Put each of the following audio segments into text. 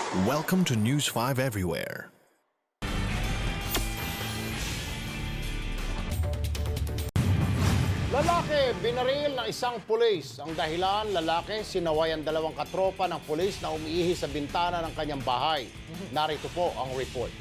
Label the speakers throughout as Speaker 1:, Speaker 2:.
Speaker 1: Welcome to News 5 Everywhere.
Speaker 2: Lalaki, binaril ng isang pulis. Ang dahilan, lalaki, sinaway ang dalawang katropa ng pulis na umiihi sa bintana ng kanyang bahay. Narito po ang report.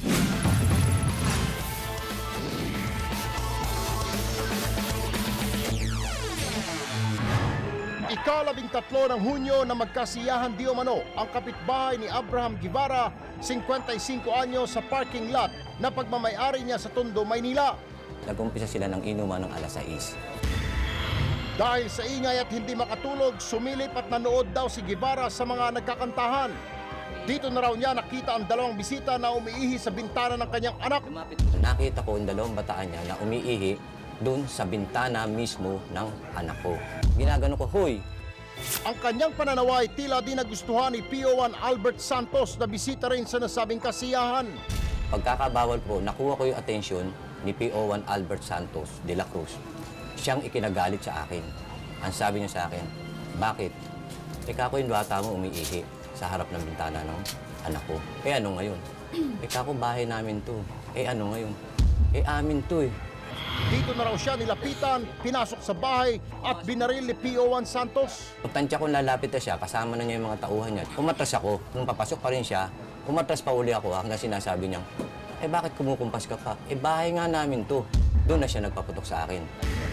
Speaker 2: Ika-13 ng Hunyo na magkasiyahan di umano ang kapitbahay ni Abraham Guevara, 55 anyo sa parking lot na pagmamayari niya sa Tondo, Maynila.
Speaker 3: Nag-umpisa sila ng inuman ng alas 6.
Speaker 2: Dahil sa ingay at hindi makatulog, sumilip at nanood daw si Guevara sa mga nagkakantahan. Dito na raw niya nakita ang dalawang bisita na umiihi sa bintana ng kanyang anak.
Speaker 3: Nakita ko ang dalawang bataan niya na umiihi doon sa bintana mismo ng anak ko. Ginagano ko, "Hoy!"
Speaker 2: Ang kanyang pananaway tila di nagustuhan ni PO1 Albert Santos na bisita rin sa nasabing kasiyahan.
Speaker 3: Pagkakabawal ko, nakuha ko yung atensyon ni PO1 Albert Santos de la Cruz. Siyang ikinagalit sa akin. Ang sabi niya sa akin, "Bakit? Ika ko yung bata mo umiihi sa harap ng bintana ng anak ko. Eh ano ngayon? Ika ko bahay namin to. Eh ano ngayon? Eh amin to eh."
Speaker 2: Dito na raw siya nilapitan, pinasok sa bahay at binaril ni PO1 Santos.
Speaker 3: Pagtansya ko lalapit na siya, kasama na niya yung mga tauhan niya. Umatras ako. Nung papasok pa rin siya, umatras pa uli ako hanggang sinasabi niya, "Eh bakit kumukumpas ka pa? Eh bahay nga namin to." Doon na siya nagpaputok sa akin.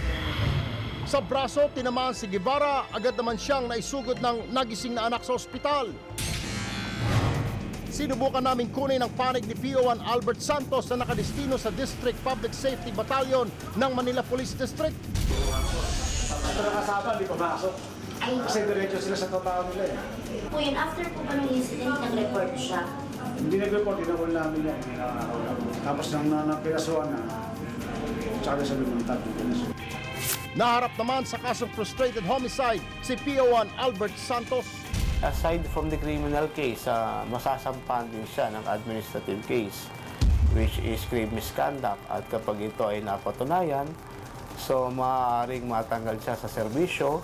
Speaker 2: Sa braso, tinamaan si Guevara, agad naman siyang naisugod ng nagising na anak sa ospital. Sinubukan namin kunin ang panig ni PO1 Albert Santos na nakadestino sa District Public Safety Battalion ng Manila Police District.
Speaker 4: Ito nakasama, di pumasok. Kasi diretso sila sa totoo nila eh.
Speaker 5: Po yun, after po ba ng incident, nag-report siya?
Speaker 4: Hindi nag-report, dinawal namin yan. Tapos nang napirasuan na, tsaka sabi ng tatlo.
Speaker 2: Naharap naman sa kasong frustrated homicide si PO1 Albert Santos.
Speaker 6: Aside from the criminal case, masasampahan din siya ng administrative case, which is grave misconduct. At kapag ito ay napatunayan, so maaaring matanggal siya sa serbisyo.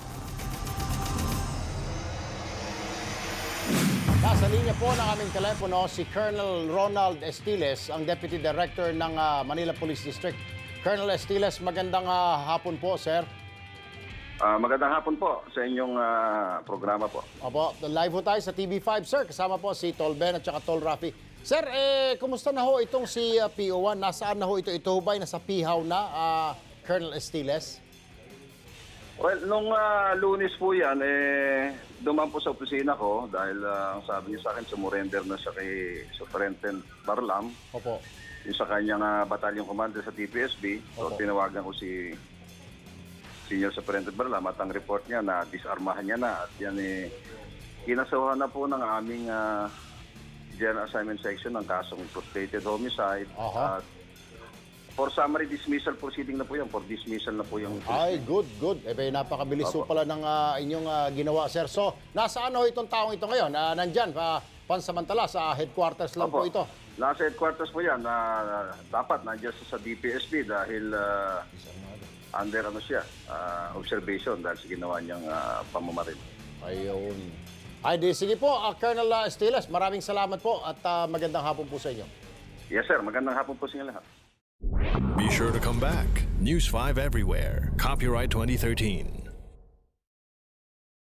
Speaker 2: Nasa linya po ng aming telepono si Colonel Ronald Estiles, ang Deputy Director ng Manila Police District. Colonel Estiles, magandang hapon po, sir.
Speaker 7: Magandang hapon po sa inyong programa po.
Speaker 2: Opo, live po tayo sa TV5, sir. Kasama po si Tol Ben at saka Tol Rafi. Sir, kumusta na ho itong si PO1? Nasaan na ho ito? Ito ho ba'y nasa pihaw na, Colonel Estiles?
Speaker 7: Well, nung Lunes po yan, dumaan po sa opisina ko dahil ang sabi niya sa akin, sumurrender na siya kay Superintendent Barlam.
Speaker 2: Opo.
Speaker 7: Yung sa kanyang battalion commander sa TPSB. So,
Speaker 2: Opo.
Speaker 7: tinawagan ko si Senior Superintendent Barlam at ang report niya na disarmahan niya na. At yan kinasuhan na po ng aming General Assignment Section ng kasong frustrated homicide.
Speaker 2: Aha.
Speaker 7: At for summary dismissal proceeding na po yan. For dismissal na po yung...
Speaker 2: Ay, good, good. Napakabilis po pala ng inyong ginawa, sir. So, nasaan ho itong taong ito ngayon? Nandyan, pansamantala sa headquarters lang po ito.
Speaker 7: Nasa headquarters po yan. Dapat nandiyan sa DPSB dahil under observation dahil sa ginawa niyang pamamaril.
Speaker 2: Ayun. Ay, sige po, Colonel Estiles, maraming salamat po at magandang hapon po sa inyo.
Speaker 7: Yes sir, magandang hapon po sa inyo lahat.
Speaker 1: Be sure to come back. News 5 Everywhere. Copyright 2013.